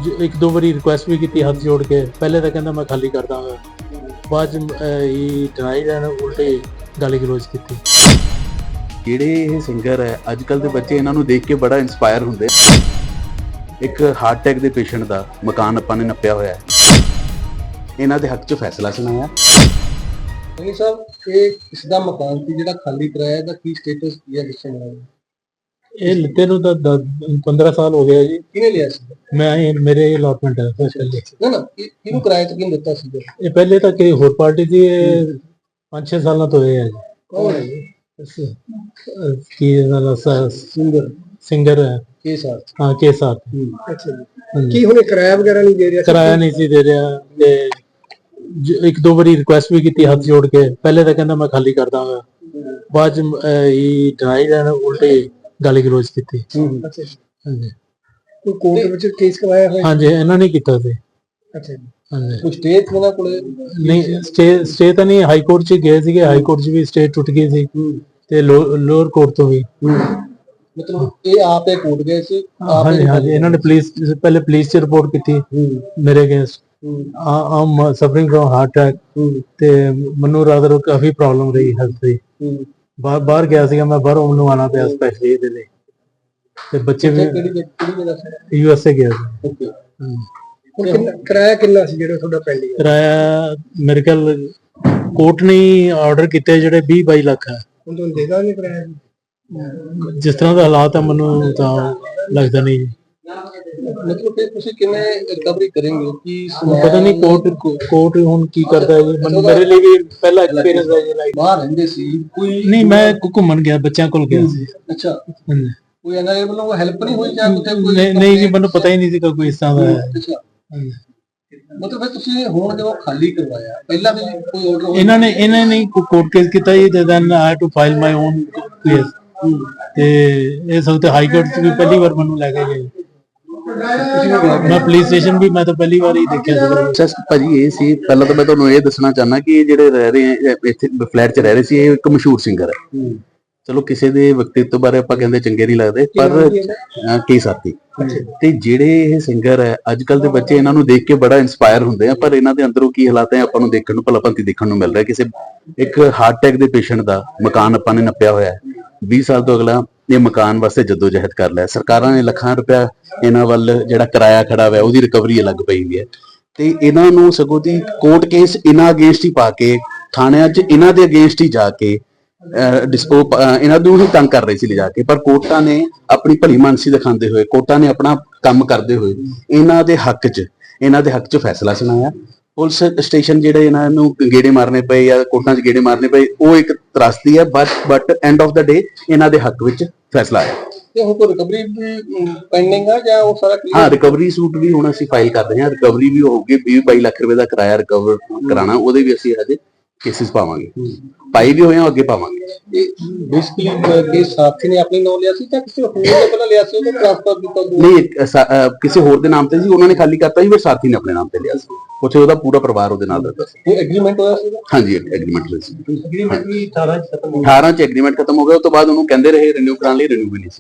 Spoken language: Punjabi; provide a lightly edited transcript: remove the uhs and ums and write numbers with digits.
ਇੱਕ ਦੋ ਵਾਰੀ ਰਿਕੁਐਸਟ ਵੀ ਕੀਤੀ ਹੱਥ ਜੋੜ ਕੇ। ਪਹਿਲੇ ਤਾਂ ਕਹਿੰਦਾ ਮੈਂ ਖਾਲੀ ਕਰ ਦਾਂਗਾ, ਬਾਅਦ ਚ ਇਹ ਡਿਨਾਈਡ ਐਂਡ ਉਲਟੇ ਗਾਲੀ ਗਲੋਚ ਕੀਤੀ। ਜਿਹੜੇ ਇਹ ਸਿੰਗਰ ਹੈ ਅੱਜ ਕੱਲ ਦੇ ਬੱਚੇ ਇਹਨਾਂ ਨੂੰ ਦੇਖ ਕੇ ਬੜਾ ਇੰਸਪਾਇਰ ਹੁੰਦੇ। ਇੱਕ ਹਾਰਟ ਅਟੈਕ ਦੇ ਪੇਸ਼ੈਂਟ ਦਾ ਮਕਾਨ ਆਪਾਂ ਨੇ ਨੱਪਿਆ ਹੋਇਆ ਹੈ, ਇਹਨਾਂ ਦੇ ਹੱਕ 'ਚ ਫੈਸਲਾ ਸੁਣਾਇਆ। ਨਹੀਂ ਸਾਹਿਬ, ਇਹ ਇਸ ਦਾ ਮਕਾਨ ਸੀ ਜਿਹੜਾ ਖਾਲੀ ਕਰਾਇਆ ਦਾ ਕੀ ਸਟੇਟਸ ਕੀ ਹੈ ਕਿਸੇ ਨਾਲ? ਇਹ ਲਿੱਤੇ ਨੂੰ ਤਾਂ 15 ਸਾਲ ਹੋ ਗਏ ਜੀ। ਕਿਹਨੇ ਲਿਆ ਸੀ? ਮੈਂ ਮੇਰੇ ਅਲਾਟਮੈਂਟ ਹੈ ਪਹਿਲੇ। ਨਾ ਕਿਹਨੂੰ ਕਿਰਾਏ ਤੇ ਕਿਹਨੂੰ ਦਿੱਤਾ ਸੀ? ਇਹ ਪਹਿਲੇ ਤਾਂ ਕਿ ਹੋਰ ਪਾਰਟੀ ਦੀ 5-6 ਸਾਲਾਂ ਤੋਂ ਇਹ ਹੈ ਜੀ। ਕੌਣ ਹੈ ਜੀ? ਕੀ ਸਿੰਗਰ ਹੈ ਕੇ ਸਾਥ? ਹਾਂ, ਕੇ ਸਾਥ। ਅੱਛਾ ਜੀ। ਕੀ ਹੁਣ ਕਿਰਾਇਆ ਵਗੈਰਾ ਨਹੀਂ ਦੇ ਰਿਹਾ? ਕਿਰਾਇਆ ਨਹੀਂ ਸੀ ਦੇ ਰਿਹਾ ਤੇ ਇੱਕ ਦੋ ਵਾਰੀ ਰਿਕੁਐਸਟ ਵੀ ਕੀਤੀ ਹੱਥ ਜੋੜ ਕੇ। ਪਹਿਲੇ ਤਾਂ ਕਹਿੰਦਾ ਮੈਂ ਖਾਲੀ ਕਰ ਦਾਂਗਾ, ਬਾਅਦ ਚ ਇਹ ਡਿਨਾਈਡ ਐਂਡ ਉਲਟੇ ਗਾਲੀ ਗਲੋਚ ਕੀਤੀ। ਅੱਛਾ ਜੀ। ਹਾਂਜੀ, ਕੋਈ ਕੋਰਟ ਵਿੱਚ ਕੇਸ ਕਰਵਾਇਆ ਹੋਇਆ? ਹਾਂਜੀ, ਇਹਨਾਂ ਨੇ ਕੀਤਾ ਸੀ। ਅੱਛਾ ਜੀ। ਹਾਂਜੀ, ਕੋਈ ਸਟੇ ਇਹਨਾਂ ਕੋਲੇ? ਨਹੀਂ, ਸਟੇ ਤਾਂ ਨਹੀਂ, ਹਾਈ ਕੋਰਟ ਚ ਗਏ ਸੀਗੇ। ਹਾਈ ਕੋਰਟ ਚ ਵੀ ਸਟੇ ਟੁੱਟ ਗਈ ਸੀ ਤੇ ਲੋਅਰ ਕੋਰਟ ਤੋਂ ਵੀ। ਮਤਲਬ ਇਹ ਆਪੇ ਕੋਰਟ ਗਏ ਸੀ? ਹਾਂਜੀ ਹਾਂਜੀ, ਇਹਨਾਂ ਨੇ ਪਹਿਲੇ ਪੁਲਿਸ ਚ ਰਿਪੋਰਟ ਕੀਤੀ ਮੇਰੇ against. I'm suffering from heart attack ਤੇ ਮੈਨੂੰ ਰਾਦਰ ਕਾਫੀ ਪ੍ਰੋਬਲਮ ਰਹੀ ਹੈਲਥ ਦੀ। ਬਾਹਰ ਗਿਆ ਸੀਗਾ ਮੈਂ, ਬਾਹਰੋਂ ਮੈਨੂੰ ਆਉਣਾ ਪਿਆ ਸਪੈਸ਼ਲੀ ਇਹਦੇ ਲਈ। ਤੇ ਬੱਚੇ ਵੀ USA ਗਿਆ ਸੀ। ਕਿਰਾਇਆ ਕਿੰਨਾ ਸੀ ਜਿਹੜਾ ਤੁਹਾਡਾ ਪੈਂਡਿੰਗ? ਕਿਰਾਇਆ ਮੇਰੇ ਖਿਆਲ ਕੋਰਟ ਨੇ ਆਰਡਰ ਕੀਤੇ ਜਿਹੜੇ 20-22 ਲੱਖ ਹੈ। ਹੁਣ ਤੁਹਾਨੂੰ ਦੇਗਾ ਨਹੀਂ ਕਿਰਾਇਆ? ਜਿਸ ਤਰ੍ਹਾਂ ਦਾ ਹਾਲਾਤ ਹੈ ਮੈਨੂੰ ਤਾਂ ਲੱਗਦਾ ਨਹੀਂ। ਮਤਲਬ ਕਿ ਤੁਸੀਂ ਕਿਵੇਂ ਰਿਕਵਰੀ ਕਰੋਗੇ? ਕੀ ਪਤਾ ਨਹੀਂ ਕੋਰਟ ਹੁਣ ਕੀ ਕਰਦਾ ਹੈ ਜੀ। ਮੈਨੂੰ ਮੇਰੇ ਲਈ ਵੀ ਪਹਿਲਾ ਐਕਸਪੀਰੀਅੰਸ ਹੈ ਜੀ ਲਾਈਫ। ਬਾਹਰ ਰਹਿੰਦੇ ਸੀ ਕੋਈ? ਨਹੀਂ, ਮੈਂ ਘੁੰਮਣ ਗਿਆ, ਬੱਚਿਆਂ ਕੋਲ ਗਿਆ ਸੀ। ਅੱਛਾ। ਕੋਈ ਇਹਨਾਂ ਵੱਲੋਂ ਹੈਲਪ ਨਹੀਂ ਹੋਈ ਜਾਂ ਕਿਤੇ ਕੋਈ? ਨਹੀਂ ਜੀ, ਮੈਨੂੰ ਪਤਾ ਹੀ ਨਹੀਂ ਸੀ ਕੋਈ ਇਸ ਤਰ੍ਹਾਂ ਦਾ ਹੈ। ਅੱਛਾ। ਮਤਲਬ ਫਿਰ ਤੁਸੀਂ ਹੁਣ ਜਦੋਂ ਖਾਲੀ ਕਰਵਾਇਆ, ਪਹਿਲਾਂ ਵੀ ਕੋਈ ਆਰਡਰ? ਇਹਨਾਂ ਨੇ ਕੋਰਟ ਕੇਸ ਕੀਤਾ ਜੀ, ਤੇ then I had to file my own case. ਤੇ ਇਹ ਸਭ ਤੇ ਹਾਈ ਕੋਰਟ ਚ ਵੀ ਪਹਿਲੀ ਵਾਰ ਮੈਨੂੰ ਲੈ ਕੇ ਗਏ। ਮੈਂ ਪੁਲਿਸ ਸਟੇਸ਼ਨ ਵੀ ਮੈਂ ਤਾਂ ਪਹਿਲੀ ਵਾਰ ਹੀ ਦੇਖਿਆ ਸੀ। ਭਾਜੀ ਇਹ ਸੀ, ਪਹਿਲਾਂ ਤਾਂ ਮੈਂ ਤੁਹਾਨੂੰ ਇਹ ਦੱਸਣਾ ਚਾਹੁੰਦਾ ਕਿ ਇਹ ਜਿਹੜੇ ਰਹਿ ਰਹੇ ਇੱਥੇ ਫਲੈਟ 'ਚ ਰਹਿ ਰਹੇ ਸੀ, ਇਹ ਇੱਕ ਮਸ਼ਹੂਰ ਸਿੰਗਰ ਹੈ। ਚਲੋ ਕਿਸੇ ਦੇ ਵਿਅਕਤੀਤਵ ਬਾਰੇ ਆਪਾਂ ਕਹਿੰਦੇ ਚੰਗੇ ਨਹੀਂ ਲੱਗਦੇ, ਪਰ ਕੀ ਸਾਥੀ ਤੇ ਜਿਹੜੇ ਇਹ ਸਿੰਗਰ ਹੈ ਅੱਜ ਕੱਲ ਦੇ ਬੱਚੇ ਇਹਨਾਂ ਨੂੰ ਦੇਖ ਕੇ ਬੜਾ ਇੰਸਪਾਇਰ ਹੁੰਦੇ ਆ, ਪਰ ਇਹਨਾਂ ਦੇ ਅੰਦਰੋਂ ਕੀ ਹਾਲਾਤ ਹੈ ਆਪਾਂ ਨੂੰ ਦੇਖਣ ਨੂੰ ਭਲਾਭੰਤੀ ਦੇਖਣ ਨੂੰ ਮਿਲ ਰਿਹਾ। ਕਿਸੇ ਇੱਕ ਹਾਰਟ ਅਟੈਕ ਦੇ ਪੇਸ਼ੈਂਟ ਦਾ ਮਕਾਨ ਆਪਾਂ ਨੇ ਨੱਪਿਆ ਹੋਇਆ ਹੈ। 20 ਸਾਲ ਤੋਂ ਅਗਲਾ ਇਹ ਮਕਾਨ ਵਾਸਤੇ ਜਦੋਜਹਿਦ ਕਰ ਲਿਆ। ਸਰਕਾਰਾਂ ਨੇ ਲੱਖਾਂ ਰੁਪਇਆ ਇਹਨਾਂ ਵੱਲ ਜਿਹੜਾ ਕਿਰਾਇਆ ਖੜਾ ਹੋਇਆ ਉਹਦੀ ਰਿਕਵਰੀ ਅਲੱਗ ਪਈ ਹੋਈ ਹੈ। ਤੇ ਇਹਨਾਂ ਨੂੰ ਸਗੋਂ ਦੀ ਕੋਰਟ ਕੇਸ ਇਹਨਾਂ ਅਗੇਂਸਟ ਹੀ ਪਾ ਕੇ, ਥਾਣਿਆਂ 'ਚ ਇਹਨਾਂ ਦੇ ਅਗੇਂਸਟ ਹੀ ਜਾ ਕੇ ਇਹਨਾਂ ਨੂੰ ਹੀ ਤੰਗ ਕਰ ਰਹੇ ਸੀ ਲਿਜਾ ਕੇ। ਪਰ ਕੋਰਟਾਂ ਨੇ ਆਪਣੀ ਭਲੀ ਮਾਨਸੀ ਦਿਖਾਉਂਦੇ ਹੋਏ, ਕੋਰਟਾਂ ਨੇ ਆਪਣਾ ਕੰਮ ਕਰਦੇ ਹੋਏ ਇਹਨਾਂ ਦੇ ਹੱਕ 'ਚ ਫੈਸਲਾ ਸੁਣਾਇਆ। ਪੁਲਿਸ ਸਟੇਸ਼ਨ ਜਿਹੜੇ ਇਹਨਾਂ ਨੂੰ ਗੇੜੇ ਮਾਰਨੇ ਪਏ ਜਾਂ ਕੋਰਟਾਂ 'ਚ ਗੇੜੇ ਮਾਰਨੇ ਪਏ, ਉਹ ਇੱਕ ਤਰਾਸਦੀ ਹੈ। But end of the day ਇਹਨਾਂ ਦੇ ਹੱਕ ਵਿੱਚ ਫੈਸਲਾ ਆਇਆ। ਤੇ ਹੁਣ ਕੋਈ ਰਿਕਵਰੀ ਵੀ ਪੈਂਡਿੰਗ ਆ ਜਾਂ ਉਹ ਸਾਰਾ ਕਲੀਅਰ? ਹਾਂ, ਰਿਕਵਰੀ ਸੂਟ ਵੀ ਹੁਣ ਅਸੀਂ ਫਾਈਲ ਕਰ ਰਹੇ ਹਾਂ। ਰਿਕਵਰੀ ਵੀ ਹੋਊਗੀ। 20-22 ਲੱਖ ਰੁਪਏ ਦਾ ਕਿਰਾਇਆ ਰਿਕਵਰ ਕਰਾਣਾ, ਉਹਦੇ ਵੀ ਅਸੀਂ ਹਜੇ ਕੇਸਿਸ ਪਾਵਾਂਗੇ। ਪਾਈ ਵੀ ਹੋਏ ਆ, ਅੱਗੇ ਪਾਵਾਂਗੇ। ਇਹ ਬੇਸਿਕਲੀ ਕੇਸ ਸਾਥੀ ਨੇ ਆਪਣੇ ਨਾਮ ਲਿਆ ਸੀ ਜਾਂ ਕਿਸੇ ਹੋਰ ਨੇ ਪਹਿਲਾਂ ਲਿਆ ਸੀ, ਉਹਨੂੰ ਟ੍ਰਾਂਸਫਰ ਕੀਤਾ? ਨਹੀਂ, ਕਿਸੇ ਹੋਰ ਦੇ ਨਾਮ ਤੇ ਸੀ, ਉਹਨਾਂ ਨੇ ਖਾਲੀ ਕਰਤਾ ਸੀ, ਫਿਰ ਸਾਥੀ ਨੇ ਆਪਣੇ ਨਾਮ ਤੇ ਲਿਆ ਸੀ। ਉੱਥੇ ਉਹਦਾ ਪੂਰਾ ਪਰਿਵਾਰ ਉਹਦੇ ਨਾਲ ਰਹਿੰਦਾ ਸੀ। ਕੋਈ ਐਗਰੀਮੈਂਟ ਹੋਇਆ ਸੀ? ਹਾਂਜੀ, ਐਗਰੀਮੈਂਟ ਹੋਇਆ ਸੀ। ਐਗਰੀਮੈਂਟ ਵੀ 18 ਚ ਖਤਮ ਹੋ ਗਿਆ। 18 ਚ ਐਗਰੀਮੈਂਟ ਖਤਮ ਹੋ ਗਿਆ। ਉਸ ਤੋਂ ਬਾਅਦ ਉਹਨੂੰ ਕਹਿੰਦੇ ਰਹੇ ਰਿਨਿਊ ਕਰਾਉਣ ਲਈ, ਰਿਨਿਊ ਵੀ ਨਹੀਂ ਸੀ।